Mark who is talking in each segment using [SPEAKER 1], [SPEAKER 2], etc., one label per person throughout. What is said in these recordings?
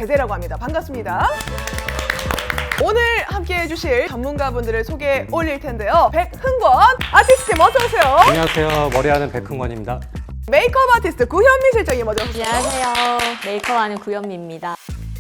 [SPEAKER 1] 제재라고 합니다. 반갑습니다. 오늘 함께 해주실 전문가분들을 소개해 올릴 텐데요. 백흥권 아티스트님 어서 오세요.
[SPEAKER 2] 안녕하세요. 머리하는 백흥권입니다.
[SPEAKER 1] 메이크업 아티스트 구현미 실장님 먼저 오세요.
[SPEAKER 3] 안녕하세요. 메이크업하는 구현미입니다.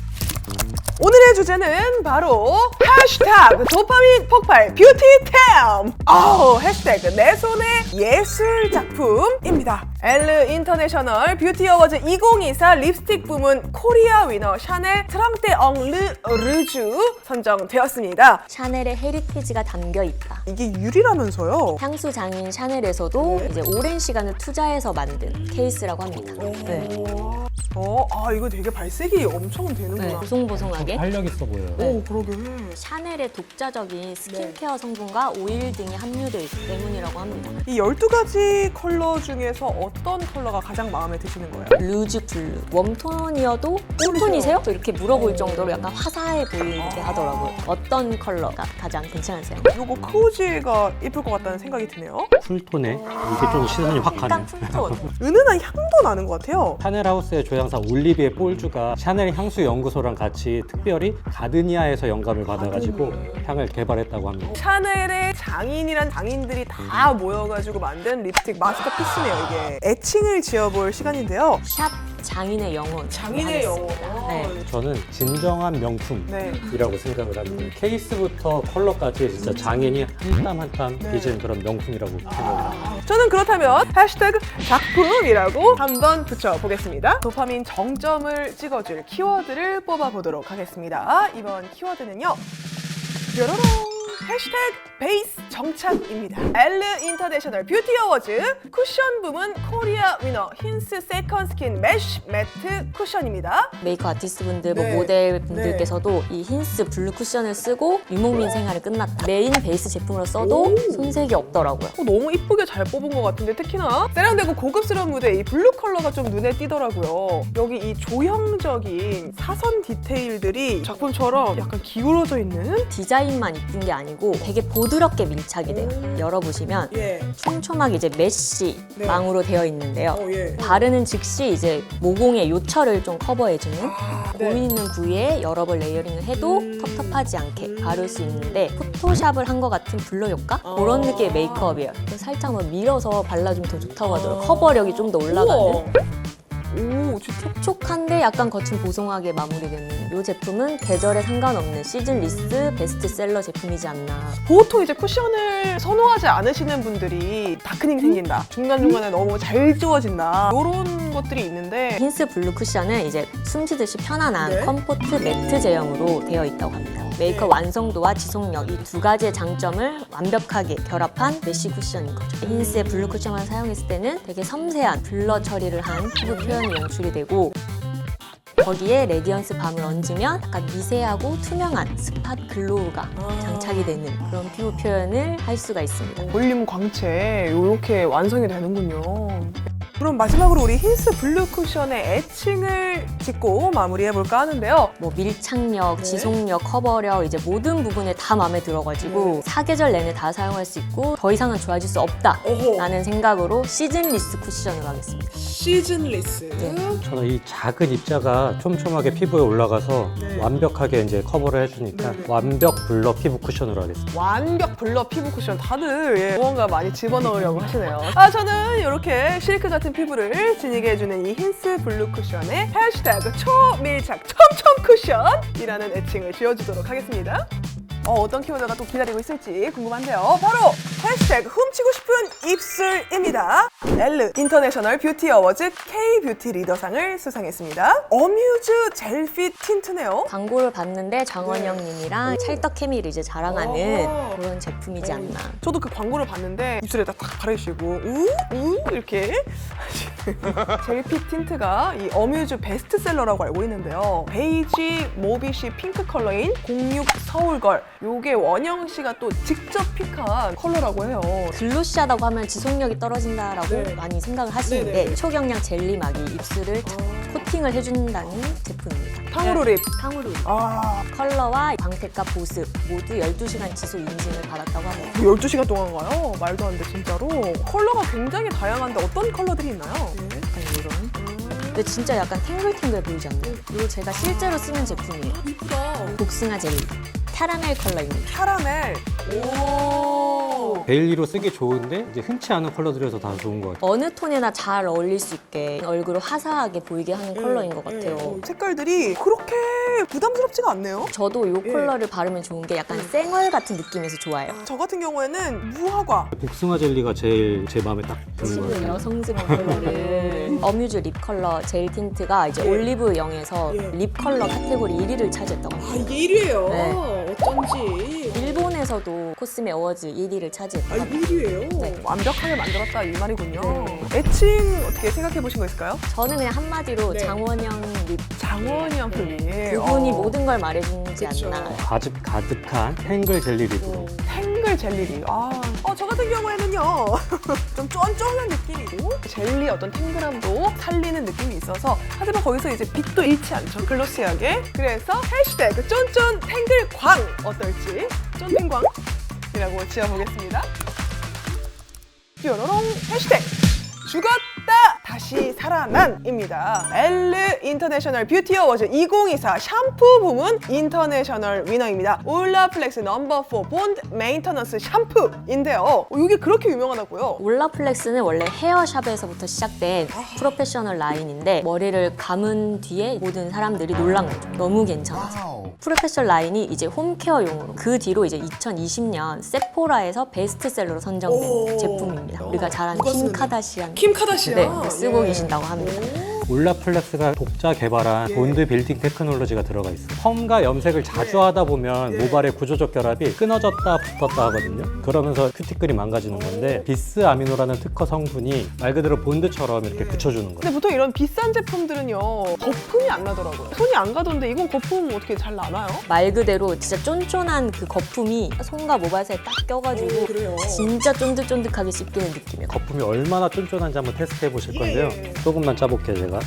[SPEAKER 1] 오늘의 주제는 바로 해시태그 도파민 폭발 뷰티템! 해시태그 내 손의 예술 작품입니다. 엘르 인터내셔널 뷰티 어워즈 2024 립스틱 부문 코리아 위너 샤넬 트랑테 엉 르주 선정되었습니다.
[SPEAKER 3] 샤넬의 헤리티지가 담겨 있다.
[SPEAKER 1] 이게 유리라면서요?
[SPEAKER 3] 향수 장인 샤넬에서도 이제 오랜 시간을 투자해서 만든 케이스라고 합니다. 네.
[SPEAKER 1] 이거 되게 발색이 엄청 되는구나.
[SPEAKER 3] 네. 보송보송하게.
[SPEAKER 2] 활력 있어 보여요.
[SPEAKER 1] 오, 그러게.
[SPEAKER 3] 샤넬의 독자적인 스킨케어 성분과 오일 등이 함유되어 있기 때문이라고 합니다.
[SPEAKER 1] 이 12가지 컬러 중에서 어떤 컬러가 가장 마음에 드시는 거예요?
[SPEAKER 3] 루즈 블루. 웜톤이어도 쿨톤이세요? 이렇게 물어볼 정도로 약간 화사해 보이게 하더라고요. 어떤 컬러가 가장 괜찮으세요?
[SPEAKER 1] 이거 코지가 예쁠 것 같다는 생각이 드네요.
[SPEAKER 2] 쿨톤에 이게 좀 시선이 확 가네.
[SPEAKER 3] 약간 쿨톤.
[SPEAKER 1] 은은한 향도 나는 것 같아요.
[SPEAKER 2] 샤넬 하우스의 조향사 올리비에 폴주가 샤넬 향수 연구소랑 같이 특별히 가드니아에서 영감을 받아가지고 향을 개발했다고 합니다.
[SPEAKER 1] 샤넬의 장인이란 장인들이 다 모여가지고 만든 립스틱 마스터피스네요, 이게. 애칭을 지어볼 시간인데요.
[SPEAKER 3] 샵 장인의 영혼.
[SPEAKER 1] 장인의 영혼.
[SPEAKER 3] 네.
[SPEAKER 2] 저는 진정한 명품이라고
[SPEAKER 1] 네.
[SPEAKER 2] 생각을 합니다. 케이스부터 컬러까지 진짜 장인이 한 땀 한 땀 빚은 그런 명품이라고 생각합니다.
[SPEAKER 1] 저는 그렇다면 해시태그 작품이라고 한번 붙여보겠습니다. 도파민 정점을 찍어줄 키워드를 뽑아보도록 하겠습니다. 이번 키워드는요. 뾰로롱! 해시태그 베이스 정착입니다. 엘르 인터내셔널 뷰티 어워즈 쿠션 부문 코리아 위너 힌스 세컨 스킨 매쉬 매트 쿠션입니다.
[SPEAKER 3] 메이크업 아티스트 분들,
[SPEAKER 1] 네.
[SPEAKER 3] 모델 분들께서도 이 힌스 블루 쿠션을 쓰고 유목민 생활이 끝났다. 메인 베이스 제품으로 써도 손색이 없더라고요.
[SPEAKER 1] 너무 이쁘게 잘 뽑은 것 같은데 특히나 세련되고 고급스러운 무대 이 블루 컬러가 좀 눈에 띄더라고요. 여기 이 조형적인 사선 디테일들이 작품처럼 약간 기울어져 있는
[SPEAKER 3] 디자인만 이쁜 게 아니고 되게 보드럽게 밀착이 돼요. 열어보시면 촘촘하게 이제 메쉬
[SPEAKER 1] 네.
[SPEAKER 3] 망으로 되어 있는데요.
[SPEAKER 1] 예.
[SPEAKER 3] 바르는 즉시 이제 모공의 요철을 좀 커버해주는
[SPEAKER 1] 네.
[SPEAKER 3] 고민 있는 부위에 여러 번 레이어링을 해도 텁텁하지 않게 바를 수 있는데 포토샵을 한 것 같은 블러 효과? 그런 느낌의 메이크업이에요. 살짝 뭐 밀어서 발라주면 더 좋다고 하더라고요. 커버력이 좀 더 올라가는.
[SPEAKER 1] 오, 진짜.
[SPEAKER 3] 촉촉한데 약간 거친 보송하게 마무리되는 이 제품은 계절에 상관없는 시즌리스 베스트셀러 제품이지 않나.
[SPEAKER 1] 보통 이제 쿠션을 선호하지 않으시는 분들이 다크닝 생긴다. 중간중간에 너무 잘 지워진다. 이런 것들이 있는데
[SPEAKER 3] 힌스 블루 쿠션은 이제 숨쉬듯이 편안한
[SPEAKER 1] 네.
[SPEAKER 3] 컴포트 매트 제형으로 되어 있다고 합니다. 메이크업 완성도와 지속력 이 두 가지의 장점을 완벽하게 결합한 메쉬 쿠션인 거죠. 힌스의 블루 쿠션만 사용했을 때는 되게 섬세한 블러 처리를 한 피부 표현이 연출이 되고 거기에 레디언스 밤을 얹으면 약간 미세하고 투명한 스팟 글로우가 장착이 되는 그런 피부 표현을 할 수가 있습니다.
[SPEAKER 1] 볼륨 광채 이렇게 완성이 되는군요. 그럼 마지막으로 우리 힌스 블루 쿠션의 애칭을 짓고 마무리해볼까 하는데요.
[SPEAKER 3] 뭐 밀착력,
[SPEAKER 1] 네.
[SPEAKER 3] 지속력, 커버력 이제 모든 부분에 다 마음에 들어가지고 사계절 내내 다 사용할 수 있고 더 이상은 좋아질 수 없다라는 생각으로 시즌리스 쿠션으로 하겠습니다.
[SPEAKER 1] 시즌리스.
[SPEAKER 2] 저는 이 작은 입자가 촘촘하게 피부에 올라가서 완벽하게 이제 커버를 해주니까 완벽 블러 피부 쿠션으로 하겠습니다.
[SPEAKER 1] 완벽 블러 피부 쿠션 다들 무언가 많이 집어넣으려고 하시네요. 저는 이렇게 실크 같은 피부를 지니게 해주는 이 힌스 블루 쿠션에 해시태그 초밀착 촘촘 쿠션이라는 애칭을 지어주도록 하겠습니다. 어떤 키워드가 또 기다리고 있을지 궁금한데요. 바로 해시태그 훔치고 싶은 입술입니다. 엘르 인터내셔널 뷰티 어워즈 K-뷰티 리더상을 수상했습니다. 어뮤즈 젤핏 틴트네요.
[SPEAKER 3] 광고를 봤는데 정원영 님이랑 찰떡 케미를 이제 자랑하는 그런 제품이지 않나.
[SPEAKER 1] 저도 그 광고를 봤는데 입술에다 딱 바르시고 이렇게 젤핏 틴트가 이 어뮤즈 베스트셀러라고 알고 있는데요. 베이지 모비시 핑크 컬러인 06 서울걸 요게 원영 씨가 또 직접 픽한 컬러라고 해요.
[SPEAKER 3] 글로시하다고 하면 지속력이 떨어진다라고 많이 생각을 하시는데 초경량 젤리막이 입술을 코팅을 해준다는 제품입니다.
[SPEAKER 1] 탕후루 립.
[SPEAKER 3] 탕후루 립.
[SPEAKER 1] 컬러와
[SPEAKER 3] 광택과 보습 모두 12시간 지속 인증을 받았다고 합니다.
[SPEAKER 1] 12시간 동안가요? 말도 안 돼, 진짜로. 컬러가 굉장히 다양한데 어떤 컬러들이 있나요?
[SPEAKER 3] 약간 이런 근데 진짜 약간 탱글탱글 보이지 않나요? 이거 제가 실제로 쓰는 제품이에요.
[SPEAKER 1] 이쁘다.
[SPEAKER 3] 복숭아 젤리. 캐러멜 컬러입니다.
[SPEAKER 1] 카라멜. 오.
[SPEAKER 2] 데일리로 쓰기 좋은데 이제 흔치 않은 컬러들이어서 다 좋은 것 같아요.
[SPEAKER 3] 어느 톤에나 잘 어울릴 수 있게 얼굴을 화사하게 보이게 하는 컬러인 것 같아요.
[SPEAKER 1] 색깔들이 그렇게 부담스럽지가 않네요.
[SPEAKER 3] 저도 이
[SPEAKER 1] 예.
[SPEAKER 3] 컬러를 바르면 좋은 게 약간 쌩얼 같은 느낌에서 좋아요.
[SPEAKER 1] 저 같은 경우에는 무화과.
[SPEAKER 2] 복숭아 젤리가 제일 제 마음에 딱 드는 것 같아요.
[SPEAKER 3] 여성스러운 컬러를 어뮤즈 립 컬러 젤 틴트가 이제
[SPEAKER 1] 예.
[SPEAKER 3] 올리브 영에서
[SPEAKER 1] 예.
[SPEAKER 3] 립 컬러 카테고리 1위를 차지했다고 합니다.
[SPEAKER 1] 이게 1위예요.
[SPEAKER 3] 네.
[SPEAKER 1] 어쩐지.
[SPEAKER 3] 일본에서도 코스메 어워즈 1위를 차지했다고 합니다.
[SPEAKER 1] 1위예요.
[SPEAKER 3] 네.
[SPEAKER 1] 완벽하게 만들었다 이 말이군요. 애칭 어떻게 생각해 보신 거 있을까요?
[SPEAKER 3] 저는 그냥 한마디로
[SPEAKER 1] 네.
[SPEAKER 3] 장원영 립
[SPEAKER 1] 장원영 립.
[SPEAKER 3] 그분이 모든 걸 말해주지
[SPEAKER 1] 그쵸.
[SPEAKER 3] 않나.
[SPEAKER 2] 과즙 가득한 탱글 젤리 립으로
[SPEAKER 1] 탱글 젤리리. 저 같은 경우에는요. 좀 쫀쫀한 느낌이고 젤리 어떤 탱글함도 살리는 느낌이 있어서 하지만 거기서 이제 빛도 잃지 않죠. 글로시하게. 그래서 해시태그 쫀쫀 탱글광 어떨지 쫀탱광이라고 지어보겠습니다. 뾰로롱 해시태그 죽었다 다시 살아난입니다. 엘르 인터내셔널 뷰티 어워즈 2024 샴푸 부문 인터내셔널 위너입니다. 올라플렉스 넘버 4 본드 메인터넌스 샴푸인데요. 이게 그렇게 유명하다고요?
[SPEAKER 3] 올라플렉스는 원래 헤어샵에서부터 시작된 프로페셔널 라인인데 머리를 감은 뒤에 모든 사람들이 놀란 거죠. 너무 괜찮아서. 프로페셔널 라인이 이제 홈케어용으로 그 뒤로 이제 2020년 세포라에서 베스트셀러로 선정된
[SPEAKER 1] 오.
[SPEAKER 3] 제품입니다. 우리가 잘 아는
[SPEAKER 1] 누가
[SPEAKER 3] 킴
[SPEAKER 1] 쓰는
[SPEAKER 3] 카다시안
[SPEAKER 1] 킴 카다시안.
[SPEAKER 3] 네, 쓰고 계신다고 합니다.
[SPEAKER 2] 올라플렉스가 독자 개발한
[SPEAKER 1] 예.
[SPEAKER 2] 본드 빌딩 테크놀로지가 들어가 있어요. 펌과 염색을 자주 하다 보면 모발의 구조적 결합이 끊어졌다 붙었다 하거든요. 그러면서 큐티클이 망가지는 건데 비스 아미노라는 특허 성분이 말 그대로 본드처럼 이렇게 붙여주는 거예요.
[SPEAKER 1] 근데 보통 이런 비싼 제품들은요 거품이 안 나더라고요. 손이 안 가던데 이건 거품 어떻게 잘 나나요?
[SPEAKER 3] 말 그대로 진짜 쫀쫀한 그 거품이 손과 모발 사이에 딱 껴가지고
[SPEAKER 1] 그래요.
[SPEAKER 3] 진짜 쫀득쫀득하게 씹히는 느낌이에요.
[SPEAKER 2] 거품이 얼마나 쫀쫀한지 한번 테스트해 보실 건데요.
[SPEAKER 1] 예.
[SPEAKER 2] 조금만 짜볼게요, 제가.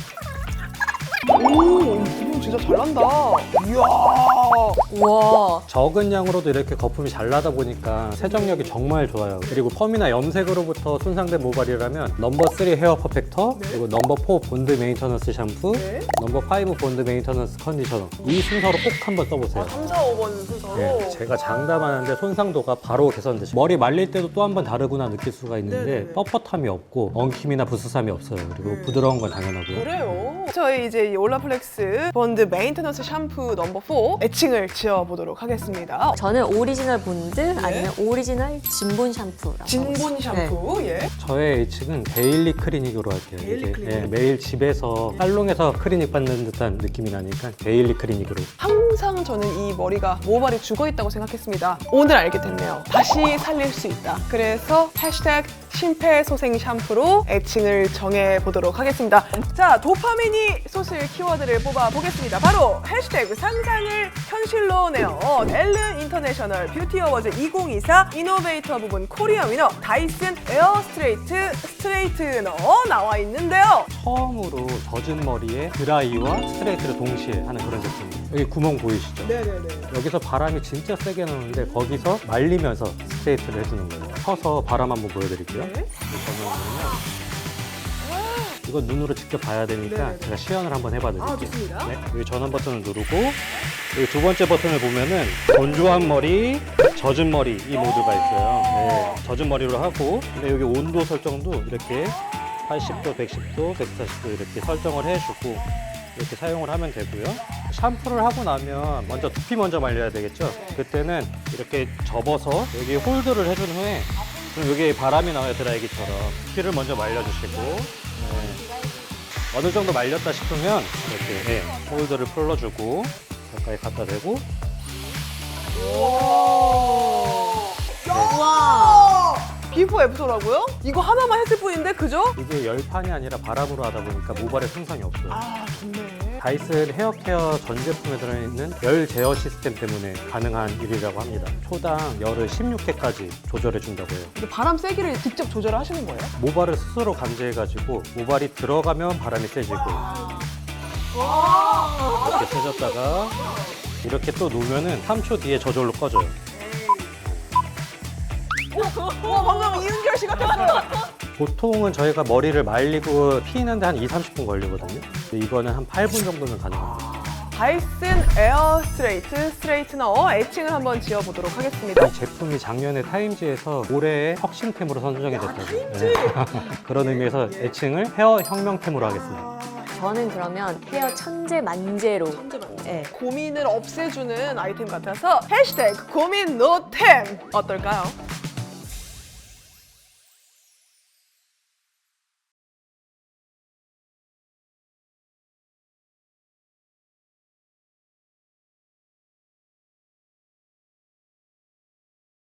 [SPEAKER 1] 오, 이거 진짜 잘 난다. 이야.
[SPEAKER 3] 우와.
[SPEAKER 2] 적은 양으로도 이렇게 거품이 잘 나다 보니까 세정력이 정말 좋아요. 그리고 펌이나 염색으로부터 손상된 모발이라면 넘버 3 헤어 퍼펙터, 그리고 넘버 4 본드 메인터넌스 샴푸,
[SPEAKER 1] 네.
[SPEAKER 2] 넘버 5 본드 메인터넌스 컨디셔너. 이 순서로 꼭 한번 써보세요.
[SPEAKER 1] 3, 4, 5번 순서로.
[SPEAKER 2] 네, 제가 장담하는데 손상도가 바로 개선되시고 머리 말릴 때도 또 한 번 다르구나 느낄 수가 있는데
[SPEAKER 1] 네네네.
[SPEAKER 2] 뻣뻣함이 없고 엉킴이나 부스삼이 없어요. 그리고 부드러운 건 당연하고요.
[SPEAKER 1] 그래요. 저희 이제 이 올라플렉스 본드 메인테넌스 샴푸 넘버 4 애칭을 지어보도록 하겠습니다.
[SPEAKER 3] 저는 오리지널 본드 아니면 오리지널 진본 샴푸라고
[SPEAKER 1] 네. 진본 샴푸. 예.
[SPEAKER 2] 저의 애칭은 데일리 클리닉으로 할게요.
[SPEAKER 1] 데일리
[SPEAKER 2] 이게,
[SPEAKER 1] 클리닉.
[SPEAKER 2] 예, 매일 집에서 살롱에서 클리닉 받는 듯한 느낌이 나니까 데일리 클리닉으로.
[SPEAKER 1] 항상 저는 이 머리가 모발이 죽어있다고 생각했습니다. 오늘 알게 됐네요. 다시 살릴 수 있다. 그래서 해시태그 심폐소생 샴푸로 애칭을 정해보도록 하겠습니다. 자, 도파민이 솟을 키워드를 뽑아보겠습니다. 바로 해시태그 상상을 현실로 내어 엘르 인터내셔널 뷰티 어워즈 2024 이노베이터 부분 코리아 위너 다이슨 에어 스트레이트너 나와 있는데요.
[SPEAKER 2] 처음으로 젖은 머리에 드라이와 스트레이트를 동시에 하는 그런 제품이에요. 여기 구멍 보이시죠?
[SPEAKER 1] 네네네.
[SPEAKER 2] 여기서 바람이 진짜 세게 나오는데 거기서 말리면서 스트레이트를 해주는 거예요. 펴서 바람 한번 보여드릴게요.
[SPEAKER 1] 네.
[SPEAKER 2] 저는 이건 눈으로 직접 봐야 되니까
[SPEAKER 1] 네네.
[SPEAKER 2] 제가 시연을 한번 해봐드릴게요.
[SPEAKER 1] 아, 좋습니다.
[SPEAKER 2] 네, 여기 전원 버튼을 누르고 여기 두 번째 버튼을 보면은 건조한 머리, 젖은 머리 이 모드가 있어요. 네, 젖은 머리로 하고 근데 여기 온도 설정도 이렇게 80도, 110도, 140도 이렇게 설정을 해주고 이렇게 사용을 하면 되고요. 샴푸를 하고 나면 먼저 두피 먼저 말려야 되겠죠. 그때는 이렇게 접어서 여기 홀드를 해준 후에 그럼 여기 바람이 나와요, 드라이기처럼. 두피를 먼저 말려주시고 어느 정도 말렸다 싶으면 이렇게 홀드를 풀러주고 가까이 갖다 대고
[SPEAKER 1] 와! 비포 애프터라고요? 이거 하나만 했을 뿐인데 그죠?
[SPEAKER 2] 이게 열판이 아니라 바람으로 하다 보니까 모발에 손상이 없어요.
[SPEAKER 1] 아, 좋네.
[SPEAKER 2] 다이슨 헤어케어 전 제품에 들어있는 열 제어 시스템 때문에 가능한 일이라고 합니다. 초당 열을 16회까지 조절해준다고 해요.
[SPEAKER 1] 이게 바람 세기를 직접 조절을 하시는 거예요?
[SPEAKER 2] 모발을 스스로 감지해가지고 모발이 들어가면 바람이 세지고 이렇게 세졌다가 이렇게 또 놓으면은 3초 뒤에 저절로 꺼져요.
[SPEAKER 1] 방금 이은결 씨 같았어요.
[SPEAKER 2] 보통은 저희가 머리를 말리고 피는데 한 2-30분 걸리거든요. 근데 이거는 한 8분 정도면 가능합니다.
[SPEAKER 1] 바이슨 에어 스트레이트 스트레이트너 애칭을 한번 지어보도록 하겠습니다.
[SPEAKER 2] 이 제품이 작년에 타임지에서 올해의 혁신템으로 선정이 됐다고요. 네. 그런 의미에서 애칭을 헤어 혁명템으로 하겠습니다.
[SPEAKER 3] 저는 그러면 헤어 천재 만재로. 네.
[SPEAKER 1] 고민을 없애주는 아이템 같아서 해시태그 고민 노템 어떨까요?